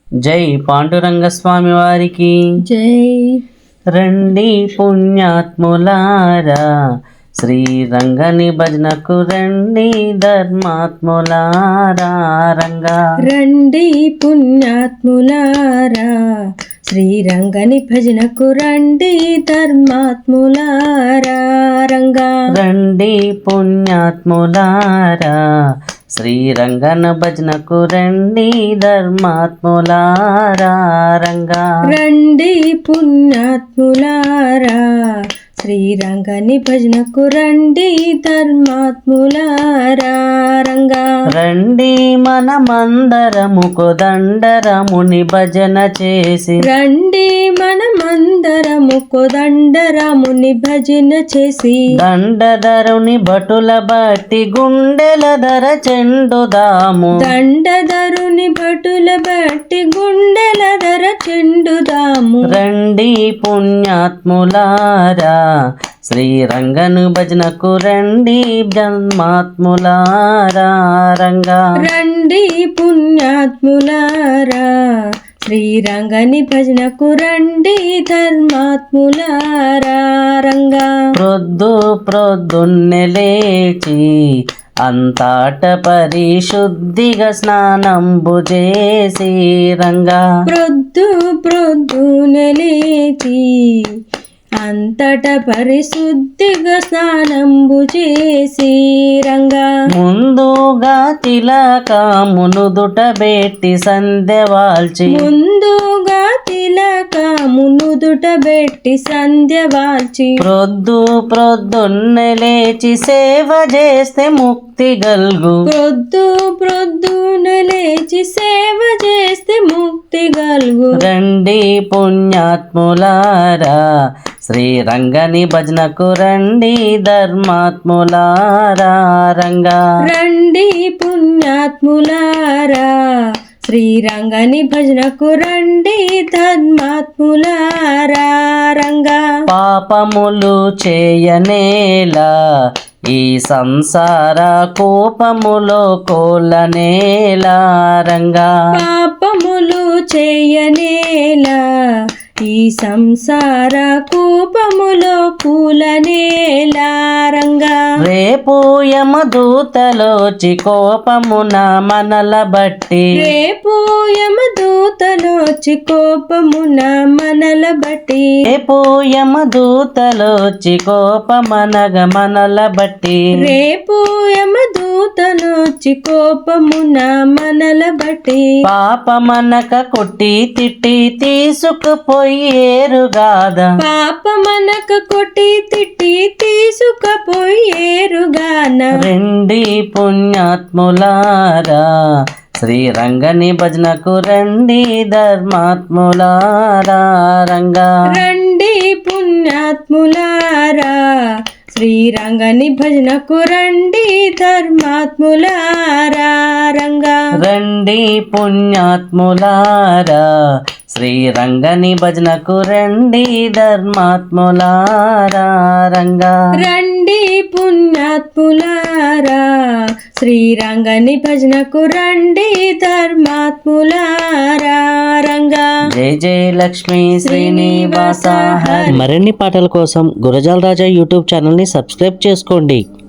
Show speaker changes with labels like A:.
A: జై పాండురంగ స్వామి వారికి
B: జై.
A: రండి పుణ్యాత్ములారా శ్రీరంగని భజనకు రండి ధర్మాత్ములారా రంగా.
B: రండి పుణ్యాత్ములారా శ్రీరంగని భజనకు రండి ధర్మాత్ములారా రంగా.
A: రండి పుణ్యాత్ములారా శ్రీరంగన భజనకు రండి ధర్మాత్ములారా రంగా.
B: రండి పుణ్యాత్ములారా శ్రీరంగని భజనకు రండి ధర్మాత్ములారా రంగా.
A: రండి మనమందరము కోదండరాముని భజన చేసి
B: రండి మనమందరము కోదండరాముని భజన చేసి
A: దండధరుని భటుల బట్టి గుండెల ధర చెండుదాము.
B: దండధరుని భటుల బట్టి గుండెల ధర చెండుదాము.
A: రండి పుణ్యాత్ములారా శ్రీరంగను భజనకు రండి జన్మాత్ములారా రంగా.
B: రండి పుణ్యాత్ములారా శ్రీరంగని భజనకు రండి ధర్మాత్ములారా రంగా.
A: ప్రొద్దున్నే లేచి అంతట పరిశుద్ధిగా స్నానంబు చేసి రంగా.
B: ప్రొద్దున లేచి అంతట పరిశుద్ధిగా స్నానంబు చేసి రంగా.
A: ముందుగా తిలకమును దుటబెట్టి సంధ్యవాల్చి
B: ముందుగా తిలకమును దుటబెట్టి సంధ్యవాల్చి
A: ప్రొద్దున్నే లేచి సేవ చేస్తే ముక్తి గల్గు.
B: ప్రొద్దున లేచి సేవ చేస్తే ముక్తి గల్గు.
A: రండి పుణ్యాత్ములారా శ్రీరంగని భజనకు రండి ధర్మాత్ములారా రంగా.
B: రండి పుణ్యాత్ములారా శ్రీరంగని భజనకు రండి ధర్మాత్ములారా రంగా.
A: పాపములు చేయనేలా ఈ సంసార కోపములో కోలనేలా రంగా.
B: పాపములు చేయనేలా ఈ సంసార కూపములో కూలనేలా రంగా.
A: రేపు యమదూతలోచి కోపమున మనల బట్టి
B: రేపు యమదూతలోచి కోపమున మనల బట్టి
A: రేపు యమదూతలోచి కోపమనగ మనల బట్టి
B: రేపు యమదూతలోచి కోపమున మనల బట్టి
A: పాపమనక కొట్టి తిట్టి తీసుకుపోయేరుగాదా.
B: పాపమనక కొట్టి తిట్టి తీసుకుపోయేరుగాన.
A: రండి పుణ్యాత్ములారా శ్రీరంగని భజనకు రండి ధర్మాత్ములారా రంగా.
B: రండి పుణ్యాత్ములారా శ్రీరంగని భజనకు రండి ధర్మాత్ములారా రంగా.
A: రండి పుణ్యాత్ములారా శ్రీరంగని భజనకు రండి ధర్మాత్ములారా రంగా.
B: రండి పుణ్యాత్ములారా శ్రీరంగని భజనకు రండి ధర్మాత్ములారా రంగా.
A: జై జై లక్ష్మీ శ్రీనివాస హరి. మరిన్ని పాటల కోసం గురజాల రాజా యూట్యూబ్ ఛానల్ని సబ్స్క్రైబ్ చేసుకోండి.